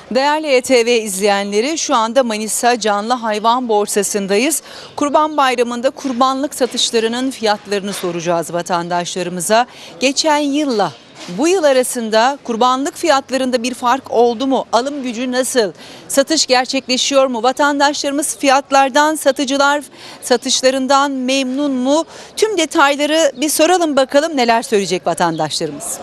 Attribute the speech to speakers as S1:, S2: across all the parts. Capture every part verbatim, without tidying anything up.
S1: Değerli E T V izleyenleri, şu anda Manisa Canlı Hayvan Borsası'ndayız. Kurban Bayramı'nda kurbanlık satışlarının fiyatlarını soracağız vatandaşlarımıza. Geçen yılla bu yıl arasında kurbanlık fiyatlarında bir fark oldu mu? Alım gücü nasıl? Satış gerçekleşiyor mu? Vatandaşlarımız fiyatlardan, satıcılar satışlarından memnun mu? Tüm detayları bir soralım bakalım, neler söyleyecek vatandaşlarımız.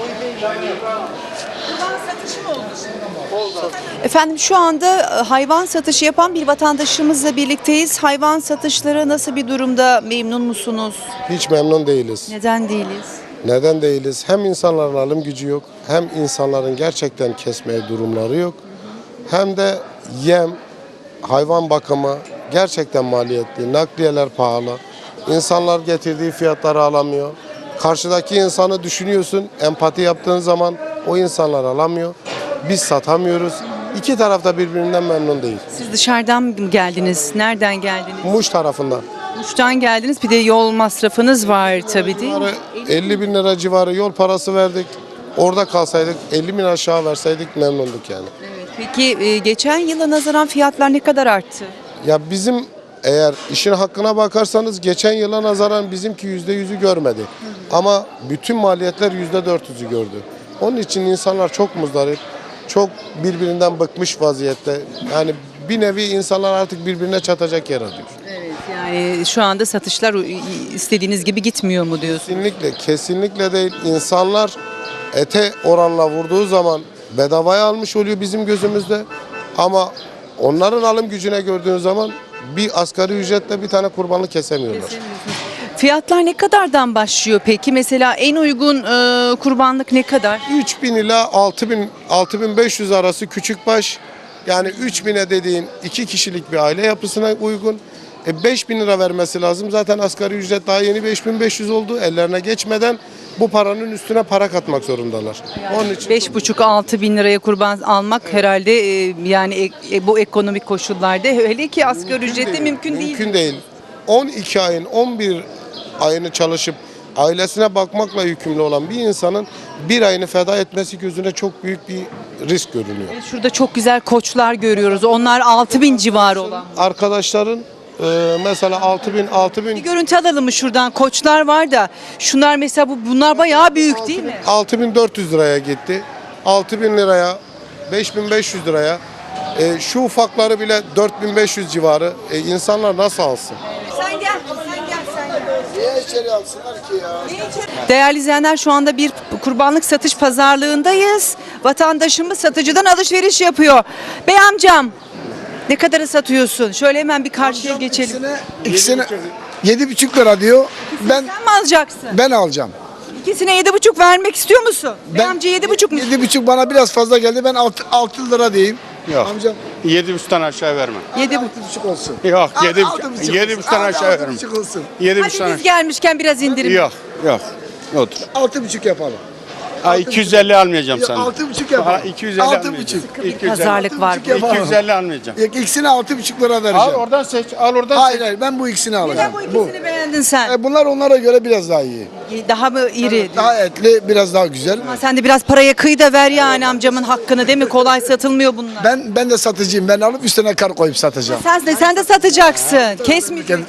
S1: Efendim, şu anda hayvan satışı yapan bir vatandaşımızla birlikteyiz. Hayvan satışları nasıl bir durumda? Memnun musunuz?
S2: Hiç memnun değiliz.
S1: Neden değiliz?
S2: Neden değiliz? Hem insanların alım gücü yok, hem insanların gerçekten kesmeye durumları yok. Hem de yem, hayvan bakımı gerçekten maliyetli, nakliyeler pahalı. İnsanlar getirdiği fiyatları alamıyor. Karşıdaki insanı düşünüyorsun, empati yaptığın zaman o insanlar alamıyor. Biz satamıyoruz. İki taraf da birbirinden memnun değil.
S1: Siz dışarıdan mı geldiniz? Nereden geldiniz?
S2: Muş tarafından.
S1: Muş'tan geldiniz. Bir de yol masrafınız var tabii, değil mi?
S2: elli bin lira civarı yol parası verdik. Orada kalsaydık elli bin aşağı verseydik memnunduk yani.
S1: Evet. Peki e, geçen yıla nazaran fiyatlar ne kadar arttı?
S2: Ya bizim eğer işin hakkına bakarsanız geçen yıla nazaran bizimki yüzde yüzü görmedi. Ama bütün maliyetler yüzde dört yüzü gördü. Onun için insanlar çok muzdarip, çok birbirinden bıkmış vaziyette. Yani bir nevi insanlar artık birbirine çatacak yer arıyor.
S1: Evet, yani şu anda satışlar istediğiniz gibi gitmiyor mu diyorsun?
S2: Kesinlikle, kesinlikle değil. İnsanlar ete oranla vurduğu zaman bedavaya almış oluyor bizim gözümüzde. Ama onların alım gücüne gördüğün zaman bir asgari ücretle bir tane kurbanlık kesemiyorlar.
S1: Fiyatlar ne kadardan başlıyor peki? Mesela en uygun e, kurbanlık ne kadar?
S2: üç bin ila altı bin, altı bin beş yüz arası küçük baş. Yani üç bine dediğin iki kişilik bir aile yapısına uygun. E beş bin lira vermesi lazım. Zaten asgari ücret daha yeni beş bin beş yüz oldu. Ellerine geçmeden bu paranın üstüne para katmak zorundalar. Onun için
S1: Beş buçuk altı bin liraya kurban almak herhalde e, yani e, bu ekonomik koşullarda hele ki asgari ücretle mümkün değil.
S2: Mümkün değil. on iki ayın on bir ayını çalışıp ailesine bakmakla yükümlü olan bir insanın bir ayını feda etmesi gözüne çok büyük bir risk görünüyor.
S1: Şurada çok güzel koçlar görüyoruz. Onlar altı bin civarı olan.
S2: Arkadaşların e, mesela altı bin altı
S1: Bir
S2: bin
S1: görüntü alalım mı şuradan? Koçlar var da şunlar mesela, bu bunlar bayağı büyük değil mi?
S2: altı bin dört yüz liraya gitti. altı bin liraya, beş bin beş yüz liraya. E, şu ufakları bile dört bin beş yüz civarı. E, insanlar nasıl alsın?
S1: Sen gel, sen gel, sen gel.
S2: Niye içeri alsınlar ki ya?
S1: Değerli izleyenler, şu anda bir kurbanlık satış pazarlığındayız. Vatandaşımız satıcıdan alışveriş yapıyor. Bey amcam, ne kadara satıyorsun? Şöyle hemen bir karşıya geçelim.
S3: İkisine, ikisine yedi buçuk lira diyor. Ben
S1: Sen mi alacaksın?
S3: ben alacağım.
S1: İkisine yedi buçuk vermek istiyor musun? Bey amca yedi buçuk mu?
S3: Yedi buçuk bana biraz fazla geldi. Ben altı, altı lira diyeyim.
S4: Yok.
S3: Amcam
S4: Yedi buçuktan aşağı vermem.
S1: Yedi
S3: altı buçuk olsun.
S4: Yok,
S3: Al-
S4: yedi,
S3: altı buçuk
S4: yedi
S3: olsun.
S4: buçuktan
S3: Al-
S4: aşağı
S3: altı
S4: vermem.
S3: buçuk olsun.
S4: Yedi
S1: Hadi
S4: buçuktan
S1: biz gelmişken biraz indirim.
S4: Yok, yok. Otur.
S3: Altı buçuk yapalım.
S4: Ha, iki yüz elli almayacağım
S3: Ya,
S4: sana.
S3: altı buçuk yapalım.
S4: Ha, iki yüz elli
S3: Altı
S4: almayacağım.
S3: buçuk.
S1: Bir
S4: iki yüz elli.
S1: pazarlık var.
S3: buçuk yapalım.
S4: iki yüz elli almayacağım.
S3: Yok, ikisine altı buçuk lira
S4: Al
S3: vereceğim.
S4: oradan seç, al oradan
S3: Hayır
S4: seç.
S3: hayır ben bu ikisini
S1: Neden
S3: alacağım.
S1: bu ikisini beğendin sen?
S3: E, bunlar onlara göre biraz daha iyi.
S1: Daha mı iri?
S3: Daha etli, biraz daha güzel.
S1: Ama sen de biraz paraya kıy da ver yani amcamın hakkını, değil mi? Kolay satılmıyor bunlar.
S3: Ben ben de satıcıyım. Ben alıp üstüne kar koyup satacağım.
S1: Sen de sen de satacaksın. Kesmeyeceksin.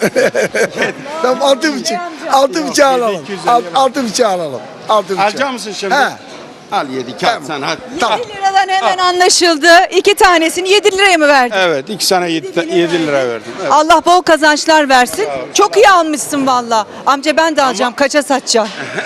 S3: Tamam altı buçuk. Altı buçuk alalım.
S4: iki yüz elli
S3: Alt- Altı buçuk alalım. Altı buçuk.
S4: Alacak mısın şimdi?
S3: He.
S4: Al yedi kağıt
S3: Tamam.
S4: sen hadi.
S3: Tamam.
S1: yedi liradan hemen anlaşıldı. İki tanesini yedi liraya mı verdin?
S4: Evet, iki sana yedi, yedi lira verdim. Evet.
S1: Allah bol kazançlar versin. Çok iyi almışsın valla. Amca ben de alacağım. Kaça satacağım?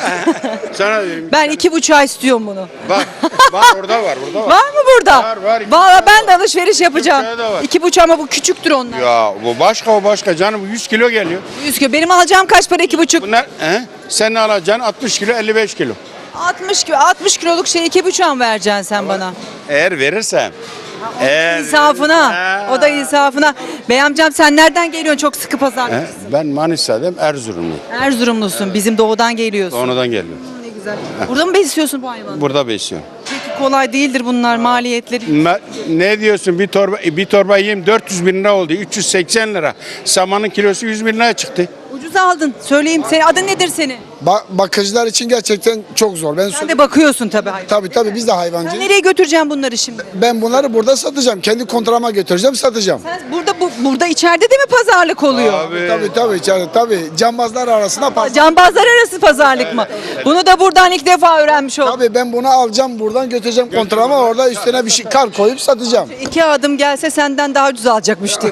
S4: Sana dedim.
S1: Ben iki buçuğa istiyorum bunu.
S4: Bak, bak orada var, burada var.
S1: Var mı burada?
S4: Var, var. İki
S1: Valla
S4: buçuğa
S1: ben de alışveriş yapacağım.
S4: buçuğa da var.
S1: İki buçuğa, ama bu küçüktür onlar.
S4: Ya bu başka, o başka canım, bu yüz kilo geliyor.
S1: Yüz kilo. Benim alacağım kaç para iki buçuk?
S4: Bunlar, he? Sen ne alacaksın? altmış kilo, elli beş kilo.
S1: altmış kilo. altmış kiloluk şey iki buçuğa mı vereceksin sen bana?
S4: Eğer verirsem. Eğer
S1: İnsafına.
S4: verirsem-
S1: O da insafına. Bey amcam, sen nereden geliyorsun? Çok sıkı pazar.
S4: He? Ben Manisa'dayım, Erzurumluyum.
S1: Erzurumlusun. Bizim doğudan geliyorsun.
S4: Sonradan geliyorum.
S1: Ne güzel. Burada mı besliyorsun bu hayvanı?
S4: Burada besliyorum.
S1: Peki kolay değildir bunlar, maliyetleri.
S4: Ma- Ne diyorsun? Bir torba bir torba yiyeyim dört yüz bin lira oldu. üç yüz seksen lira. Samanın kilosu yüz bin lira çıktı.
S1: Ucuz aldın. Söyleyeyim. Senin adın nedir senin?
S3: Ba- bakıcılar için gerçekten çok zor. Ben
S1: Sen de bakıyorsun tabii hayvan.
S3: tabii tabii biz de
S1: Sen
S3: hayvancıyız.
S1: nereye götüreceğim bunları şimdi?
S3: Ben bunları burada satacağım. Kendi kontrama götüreceğim, satacağım.
S1: Sen burada bu, burada içeride de mi pazarlık oluyor?
S4: Abi,
S3: Tabii tabii içeride tabii. Cambazlar arasında pazar.
S1: Cambazlar arası pazarlık mı? Bunu da buradan ilk defa öğrenmiş oldum.
S3: Tabii ben bunu alacağım buradan götüreceğim kontrama, orada üstüne bir şey kar koyup satacağım.
S1: İki adım gelse senden daha ucuz alacak müşteri.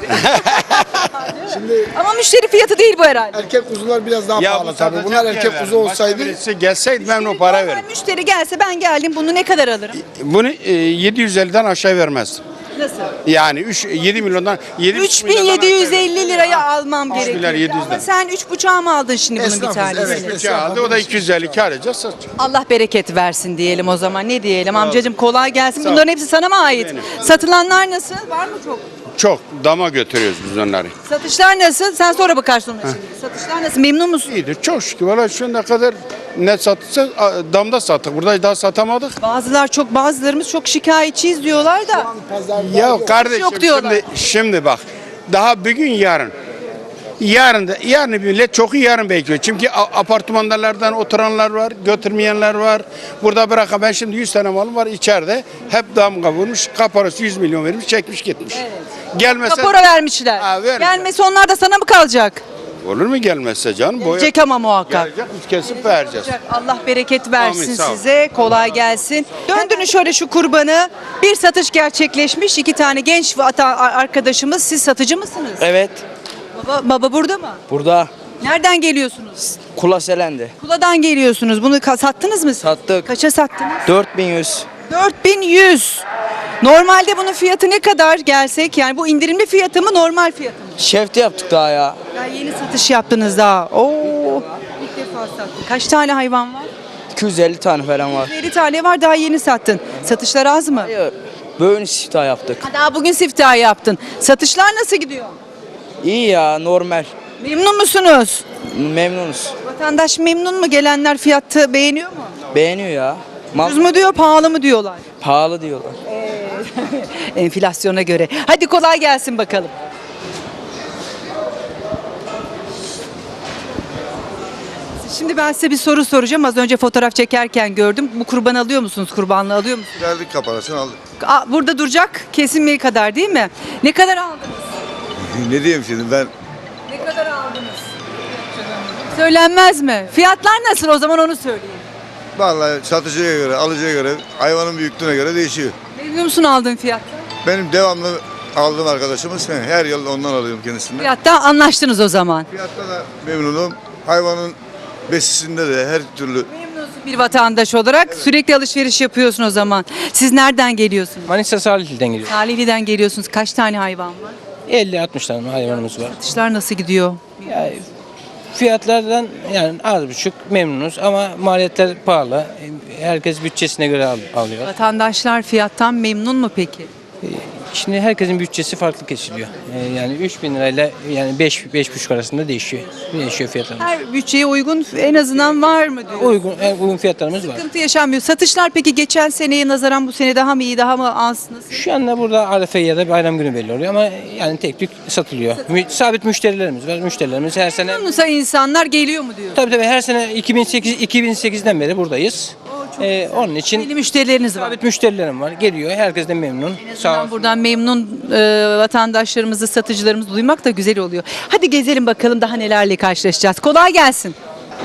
S1: Ama müşteri fiyatı değil bu herhalde.
S3: Erkek kuzular biraz daha
S4: ya
S3: pahalı
S4: bu
S3: tabii.
S4: satacak
S3: Bunlar
S4: yer
S3: erkek
S4: ver.
S3: kuzu olsaydı
S4: Başka birisi gelseydi ben o para
S1: Normal
S4: veririm.
S1: müşteri gelse ben geldim bunu ne kadar alırım?
S4: Bunu e, yedi yüz elliden aşağı vermezdim.
S1: Nasıl?
S4: Yani üç, yedi milyondan yedi
S1: üç bin yedi yüz elli liraya almam
S4: milyar
S1: gerekiyor.
S4: yedi yüzden.
S1: Ama sen üç buçuğa mı aldın şimdi bunun bir
S3: Esnafız,
S1: tanesini?
S3: evet.
S4: Üçü aldı, o da iki yüz elli kar edeceğiz, satacak.
S1: Allah bereket versin diyelim o zaman. Ne diyelim amcacığım, kolay gelsin.
S4: Sağ ol.
S1: Bunların hepsi sana mı ait?
S4: Benim.
S1: Satılanlar nasıl? Var mı çok?
S4: Çok dama götürüyoruz biz onları.
S1: Satışlar nasıl? Sen sonra bakarsın ona şimdi. Satışlar nasıl? Memnun musun?
S4: İyidir çok şükür. Valla şu ana kadar ne satırsa a, damda sattık. Burada daha satamadık.
S1: Bazılar çok, bazılarımız çok şikayetçiyiz diyorlar da.
S4: Ya kardeşim
S1: yok diyorlar.
S4: şimdi, şimdi bak. Daha bugün yarın. Yarın da yarın millet çok iyi yarın bekliyor. Çünkü a- apartmanlardan oturanlar var, götürmeyenler var. Burada bırakan ben şimdi yüz tane malım var içeride. Hep damga vurmuş. Kaparası yüz milyon vermiş, çekmiş gitmiş. Gelmese
S1: Kapora vermişler.
S4: Ha, vermiş.
S1: Gelmesi onlar da sana mı kalacak?
S4: olur mu gelmezse canım? Boya
S1: Gelecek ama muhakkak.
S4: gelecek, biz kesip vereceğiz.
S1: Allah bereket versin
S4: Amin, sağ ol.
S1: size. Kolay gelsin. Döndünüz şöyle şu kurbanı. Bir satış gerçekleşmiş. İki tane genç vata- arkadaşımız. Siz satıcı mısınız?
S5: Evet,
S1: Baba, baba burada mı?
S5: burada
S1: Nereden geliyorsunuz?
S5: Kula Selendi.
S1: Kula'dan geliyorsunuz. Bunu ka- sattınız mı? siz?
S5: Sattık.
S1: Kaça sattınız?
S5: dört bin yüz.
S1: dört bin yüz. Normalde bunun fiyatı ne kadar gelsek? Yani bu indirimli fiyatı mı, normal fiyatı mı?
S5: Şefti yaptık daha ya.
S1: Ya yeni satış yaptınız daha. Oo. İlk defa sattın. Kaç tane hayvan var?
S5: iki yüz elli tane falan var.
S1: elli tane var, daha yeni sattın. Satışlar az mı?
S5: Hayır, böyle siftah yaptık.
S1: Ha, daha bugün siftahı yaptın. Satışlar nasıl gidiyor?
S5: İyi ya, normal.
S1: Memnun musunuz?
S5: Memnunuz.
S1: Vatandaş memnun mu? Gelenler fiyatı beğeniyor mu?
S5: Beğeniyor ya. Mal
S1: Ucuz mu diyor, pahalı mı diyorlar?
S5: pahalı diyorlar.
S1: Enflasyona göre. Hadi kolay gelsin bakalım. Şimdi ben size bir soru soracağım. Az önce fotoğraf çekerken gördüm. Bu kurban alıyor musunuz? Kurbanlığı alıyor musunuz?
S6: Geldik kaparasını aldık.
S1: Aa, burada duracak kesinmeye kadar değil mi? Ne kadar aldınız?
S6: Ne diyeyim şimdi ben
S1: Ne kadar aldınız? Söylenmez mi? Fiyatlar nasıl o zaman onu söyleyin.
S6: vallahi satıcıya göre, alıcıya göre, hayvanın büyüklüğüne göre değişiyor.
S1: Memnun musun aldığın fiyatta?
S6: Benim devamlı aldığım arkadaşımız ben her yıl ondan alıyorum kendisinden.
S1: Fiyatta anlaştınız o zaman.
S6: Fiyatta da memnunum. Hayvanın besisinde de her türlü
S1: Memnunsun bir vatandaş olarak. Sürekli alışveriş yapıyorsun o zaman. Siz nereden geliyorsunuz?
S7: Manisa Salihli'den geliyor.
S1: Salihli'den geliyorsunuz. Kaç tane hayvan var?
S7: elli altmış tane hayvanımız var.
S1: Satışlar nasıl gidiyor?
S7: Yani fiyatlardan yani az buçuk memnunuz ama maliyetler pahalı. Herkes bütçesine göre al- alıyor.
S1: Vatandaşlar fiyattan memnun mu peki?
S7: Şimdi herkesin bütçesi farklı kesiliyor. Ee, Yani üç bin lirayla yani beş beş buçuk arasında değişiyor. Değişiyor fiyatlar.
S1: Her bütçeye uygun en azından var mı diyor.
S7: Uygun en uygun fiyatlarımız var.
S1: Sıkıntı yaşanmıyor. Satışlar peki geçen seneye nazaran bu sene daha mı iyi, daha mı az? Nasıl?
S7: Şu anda burada Arefe ya da bayram günü belli oluyor ama yani tek tük satılıyor. Mü- sabit müşterilerimiz var. Müşterilerimiz her sene
S1: Memnunsa insanlar geliyor mu diyor.
S7: tabii tabii her sene iki bin sekiz iki bin sekizden beri buradayız. Ee, onun için
S1: Belli müşterileriniz var.
S7: sabit müşterilerim var. Geliyor. Herkes de memnun. Sağ
S1: Buradan,
S7: olsun.
S1: buradan memnun e, vatandaşlarımızı, satıcılarımızı duymak da güzel oluyor. Hadi gezelim bakalım daha nelerle karşılaşacağız. Kolay gelsin.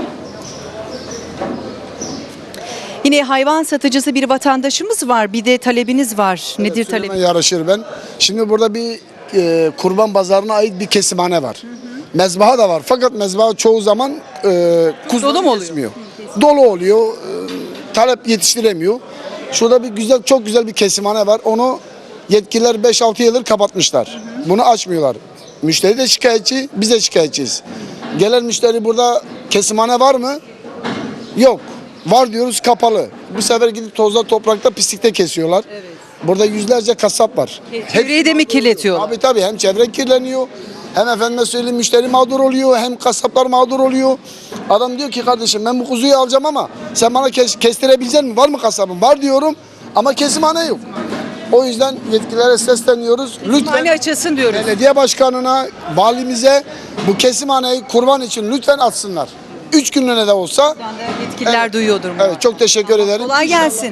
S1: Yine hayvan satıcısı bir vatandaşımız var. Bir de talebiniz var. Nedir
S3: Söyleme
S1: talebiniz?
S3: yarışır ben. Şimdi burada bir e, kurban pazarına ait bir kesimhane var. Mezbaha da var. Fakat mezbaha çoğu zaman e, kuzu
S1: Dolu mu oluyor?
S3: kesmiyor. Dolu oluyor. E, talep yetiştiremiyor. Şurada bir güzel, çok güzel bir kesimhane var. Onu yetkililer beş altı yıldır kapatmışlar. Bunu açmıyorlar. Müşteri de şikayetçi, biz de şikayetçiyiz. Gelen müşteri burada kesimhane var mı? Yok. Var diyoruz, kapalı. Bu sefer gidip tozda, toprakta, pislikte kesiyorlar. Burada yüzlerce kasap var.
S1: Çevreyi de mi kirletiyorlar?
S3: Tabii tabii, hem çevre kirleniyor, hem efendime söyleyeyim müşteri mağdur oluyor, hem kasaplar mağdur oluyor. Adam diyor ki kardeşim ben bu kuzuyu alacağım ama sen bana kes, kestirebilecek misin? Var mı kasabın? Var diyorum ama kesimhane yok. O yüzden yetkililere sesleniyoruz.
S1: Hani
S3: Lütfen
S1: açılsın diyoruz.
S3: belediye başkanına, valimize bu kesimhaneyi kurban için lütfen açsınlar. üç günlüğüne de olsa.
S1: Şu anda yetkililer
S3: Evet.
S1: duyuyordur mu?
S3: Evet, çok teşekkür ederim.
S1: Kolay gelsin.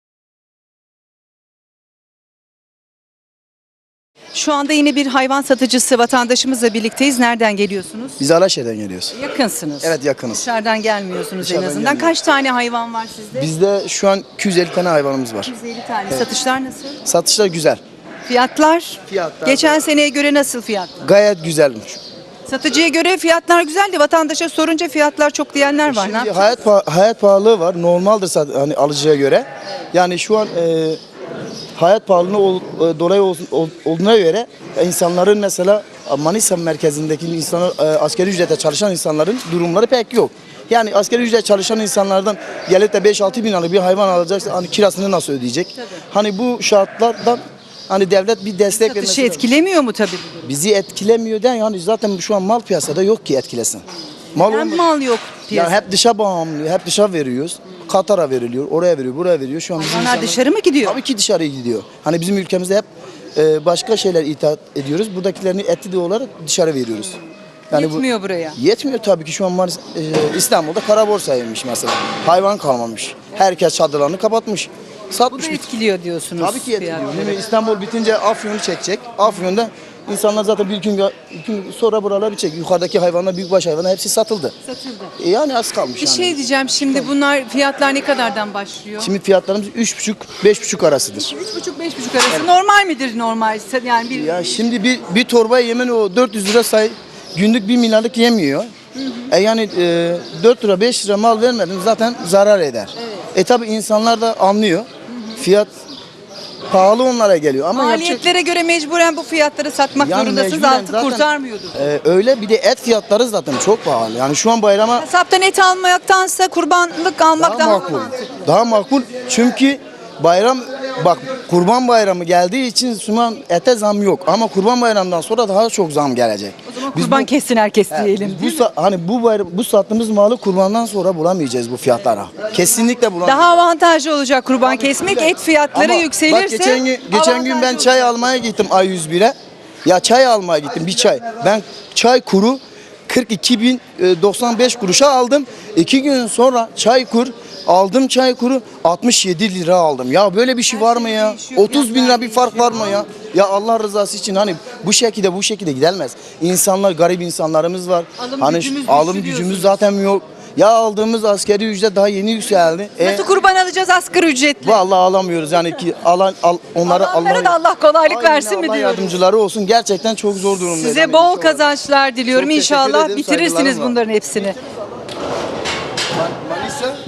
S1: Şu anda yine bir hayvan satıcısı vatandaşımızla birlikteyiz. Nereden geliyorsunuz?
S8: Biz Alaşehir'den geliyoruz.
S1: Yakınsınız.
S8: Evet, yakınız.
S1: Dışarıdan gelmiyorsunuz
S8: Dışarıdan
S1: en azından.
S8: gelmiyoruz.
S1: Kaç tane hayvan var sizde?
S8: Bizde şu an iki yüz elli tane hayvanımız var.
S1: yüz elli tane. Satışlar nasıl?
S8: Satışlar güzel.
S1: Fiyatlar?
S8: Fiyatlar
S1: Geçen seneye göre nasıl fiyatlar?
S8: gayet güzelmiş.
S1: Satıcıya göre fiyatlar güzel de vatandaşa sorunca fiyatlar çok diyenler var. Ne
S8: Şimdi
S1: yapacağız?
S8: hayat pa- hayat pahalılığı var. Normaldir sat- hani alıcıya göre. Yani şu an e, hayat pahalılığı ol- e, dolayı ol- ol- olduğuna göre insanların mesela Manisa merkezindeki insanlar e, asgari ücrete çalışan insanların durumları pek yok. Yani asgari ücret çalışan insanlardan gelip de beş altı bin liralık bir hayvan alacaksa hani kirasını nasıl ödeyecek? Hani bu şartlardan hani devlet bir destek
S1: Satışı
S8: vermesi lazım.
S1: etkilemiyor mu tabii bu durum?
S8: Bizi etkilemiyor den yani zaten şu an mal piyasada yok ki etkilesin. Mal
S1: Hem
S8: olma-
S1: mal yok
S8: ya
S1: piyasada.
S8: hep dışa bağımlı, hep dışa veriyoruz. Katar'a veriliyor, oraya veriyor, buraya veriyor. Şu an bizim
S1: Hayvanlar
S8: insanlar-
S1: dışarı mı gidiyor?
S8: Tabii ki dışarıya gidiyor. Hani bizim ülkemizde hep e, başka şeyler ithal ediyoruz. Buradakilerini etli de olarak dışarı veriyoruz. Yani bu
S1: Yetmiyor buraya.
S8: yetmiyor tabii ki şu an Manis- e, İstanbul'da kara borsaymış mesela. Hayvan kalmamış. Herkes çadırlarını kapatmış.
S1: Bu da
S8: Satmış.
S1: etkiliyor diyorsunuz.
S8: Tabii ki etkiliyor.
S1: fiyatları.
S8: Değil mi? İstanbul bitince Afyon'u çekecek. Afyon'da insanlar zaten bir gün, bir gün sonra buraları bir çek. Yukarıdaki hayvanlar, büyükbaş hayvanlar hepsi satıldı.
S1: Satıldı.
S8: E yani az kalmış
S1: Bir
S8: yani.
S1: şey diyeceğim şimdi bunlar fiyatlar ne kadardan başlıyor?
S8: Şimdi fiyatlarımız üç buçuk beş buçuk arasıdır.
S1: üç buçuk beş buçuk arası normal midir normal? Yani bir
S8: Ya şimdi bir bir torba yemen o dört yüz lira say günlük bir milyarlık yemiyor. E yani e, dört lira beş lira mal vermedin zaten zarar eder. E tabi insanlar da anlıyor. Fiyat pahalı onlara geliyor ama yapacak-
S1: maliyetlere göre mecburen bu fiyatları satmak
S8: Yani
S1: zorundasınız.
S8: mecburen
S1: Altı
S8: zaten-
S1: kurtarmıyordur.
S8: E, öyle bir de et fiyatları zaten çok pahalı. Yani şu an bayrama
S1: Kasaptan et almaktansa kurbanlık almak
S8: daha
S1: daha,
S8: makul.
S1: mantıklı.
S8: Daha makul çünkü bayram bak Kurban Bayramı geldiği için şu an ete zam yok ama Kurban Bayramı'ndan sonra daha çok zam gelecek.
S1: O zaman
S8: Biz
S1: kurban
S8: bu-
S1: kessin herkes
S8: Evet,
S1: diyelim.
S8: biz bu
S1: değil mi?
S8: sa- hani bu bayram, bu sattığımız malı kurbandan sonra bulamayacağız bu fiyatlara. Kesinlikle bulamayacağız.
S1: Daha avantajlı olacak kurban kesmek. Et fiyatları
S8: Ama
S1: yükselirse
S8: bak geçen gün geçen gün ben
S1: avantajlı
S8: çay
S1: olacak.
S8: almaya gittim A yüz bire. Ya çay almaya gittim bir çay. Ben çay kuru kırk iki bin doksan beş kuruşa aldım. İki gün sonra çay kur aldım çay kuru altmış yedi lira aldım. Ya böyle bir şey var mı ya?
S1: değişiyor,
S8: otuz bin lira bir fark var mı ya? Ya Allah rızası için hani bu şekilde bu şekilde gidilmez. İnsanlar garip insanlarımız var.
S1: Alım
S8: hani
S1: gücümüz
S8: alım
S1: düştü
S8: gücümüz
S1: diyorsunuz.
S8: zaten yok. Ya aldığımız askeri ücret daha yeni yükseldi. E,
S1: Nasıl kurban alacağız asgari ücretle?
S8: vallahi alamıyoruz yani ki alan al, onları
S1: Alanlara da
S8: Allah
S1: Allah kolaylık
S8: Aynen,
S1: versin mi
S8: Allah
S1: diyoruz.
S8: yardımcıları olsun. Gerçekten çok zor durumdayız.
S1: Size
S8: Yani
S1: bol
S8: inşallah.
S1: kazançlar diliyorum.
S8: Çok teşekkür
S1: İnşallah
S8: ederim,
S1: bitirirsiniz
S8: saygılarım var.
S1: bunların hepsini.
S8: Manisa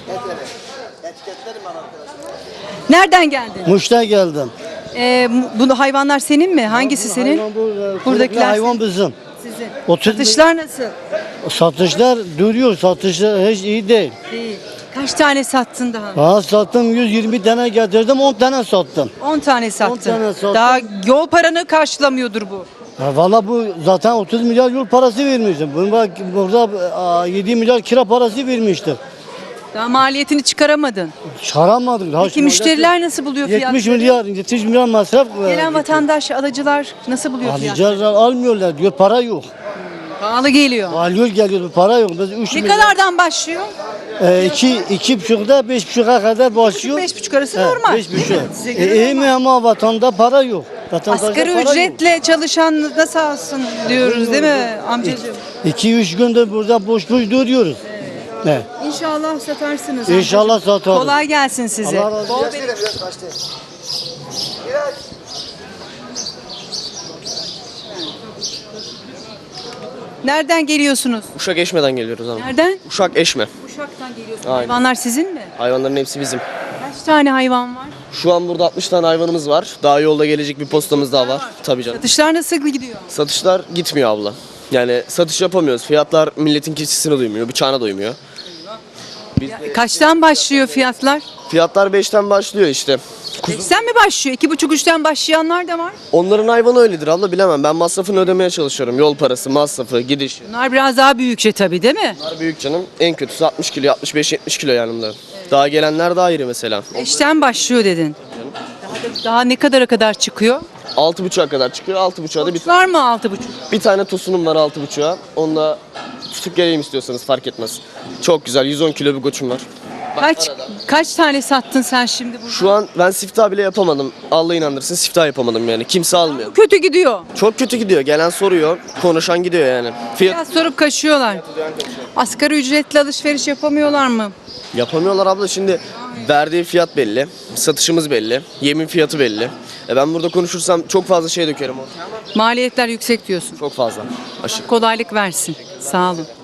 S1: Nereden geldin?
S9: Muş'tan geldim.
S1: Ee, bu hayvanlar senin mi? Hangisi senin?
S9: Hayvan bu, e,
S1: Buradakiler
S9: hayvan bizim.
S1: Sizin.
S9: otuz
S1: Satışlar nasıl?
S9: Satışlar duruyor. Satışlar hiç iyi değil.
S1: İyi. Kaç tane sattın daha?
S9: Daha sattım yüz yirmi tane getirdim on tane sattım.
S1: on tane sattın.
S9: tane sattım.
S1: Daha yol paranı karşılamıyordur bu.
S9: Ya valla bu zaten otuz milyar yol parası vermiştim. Bunu bak burada a, yedi milyar kira parası vermiştim.
S1: Daha maliyetini çıkaramadın.
S9: Çıkaramadık. Daha
S1: Peki
S9: şu
S1: müşteriler nasıl buluyor
S9: yetmiş
S1: fiyatları?
S9: milyar, yetmiş milyar masraf. e,
S1: Gelen vatandaş, alıcılar nasıl buluyor fiyatları?
S9: Alıcılar almıyorlar diyor para yok.
S1: Pahalı geliyor.
S9: Alıyor geliyor para yok. Biz üç
S1: Ne
S9: milyar,
S1: kadardan başlıyor?
S9: E, iki, iki buçukta beş buçuğa kadar başlıyor.
S1: Beş buçuk arası
S9: He,
S1: normal.
S9: Beş
S1: değil
S9: buçuk.
S1: mi? Size
S9: E,
S1: göre
S9: iyi
S1: normal.
S9: mi ama vatanda para yok. Vatandaşta
S1: Asgari
S9: para yok.
S1: ücretle çalışan da sağ olsun diyoruz değil mi amcacığım?
S9: İki üç gündür burada boş boş duruyoruz. Ne?
S1: İnşallah satarsınız.
S9: İnşallah
S1: amcacığım.
S9: satarız.
S1: Kolay gelsin size.
S9: Allah razı
S1: Bol
S9: olsun.
S1: bereket. Nereden geliyorsunuz?
S10: Uşak Eşme'den geliyoruz abi.
S1: Nereden?
S10: Uşak Eşme.
S1: Uşak'tan geliyorsunuz.
S10: Aynen.
S1: Hayvanlar sizin mi?
S10: Hayvanların hepsi bizim.
S1: Kaç tane hayvan var?
S10: Şu an burada altmış tane hayvanımız var. Daha yolda gelecek bir postamız daha var. Tabii canım.
S1: Satışlar nasıl gidiyor?
S10: Satışlar gitmiyor abla. Yani satış yapamıyoruz. Fiyatlar milletin keçisine duymuyor, bıçağına doymuyor. Biz de-
S1: Kaçtan başlıyor fiyatlar?
S10: Fiyatlar beşten başlıyor işte.
S1: Beşten mi başlıyor? İki buçuk üçten başlayanlar da var.
S10: Onların hayvanı öyledir abla, bilemem. Ben masrafını ödemeye çalışıyorum. Yol parası, masrafı, gidiş.
S1: Bunlar biraz daha büyükçe tabii değil mi?
S10: Bunlar büyük canım. En kötüsü altmış kilo, altmış beş yetmiş kilo yani bunlar. Daha gelenler daha iri mesela.
S1: Beşten başlıyor dedin. Daha, da- daha ne kadara kadar çıkıyor?
S10: altı buçuğa kadar çıkıyor. altı buçuğa da bir,
S1: Var mı altı buçuk?
S10: bir tane tosunum var altı buçuğa. Onunla tutup geleyim istiyorsanız fark etmez. Çok güzel yüz on kilo bir koçum var.
S1: Kaç kaç tane sattın sen şimdi burada?
S10: Şu an ben siftah bile yapamadım. Allah inandırsın siftah yapamadım yani. Kimse almıyor.
S1: Kötü gidiyor.
S10: Çok kötü gidiyor. Gelen soruyor. Konuşan gidiyor yani. Fiyat
S1: Biraz sorup kaçıyorlar. Asgari ücretli alışveriş yapamıyorlar mı?
S10: yapamıyorlar abla. Şimdi verdiği fiyat belli. Satışımız belli. Yemin fiyatı belli. E ben burada konuşursam çok fazla şey dökerim ortaya.
S1: Maliyetler yüksek diyorsun.
S10: Çok fazla. Aşırı.
S1: Kolaylık versin. Sağ olun.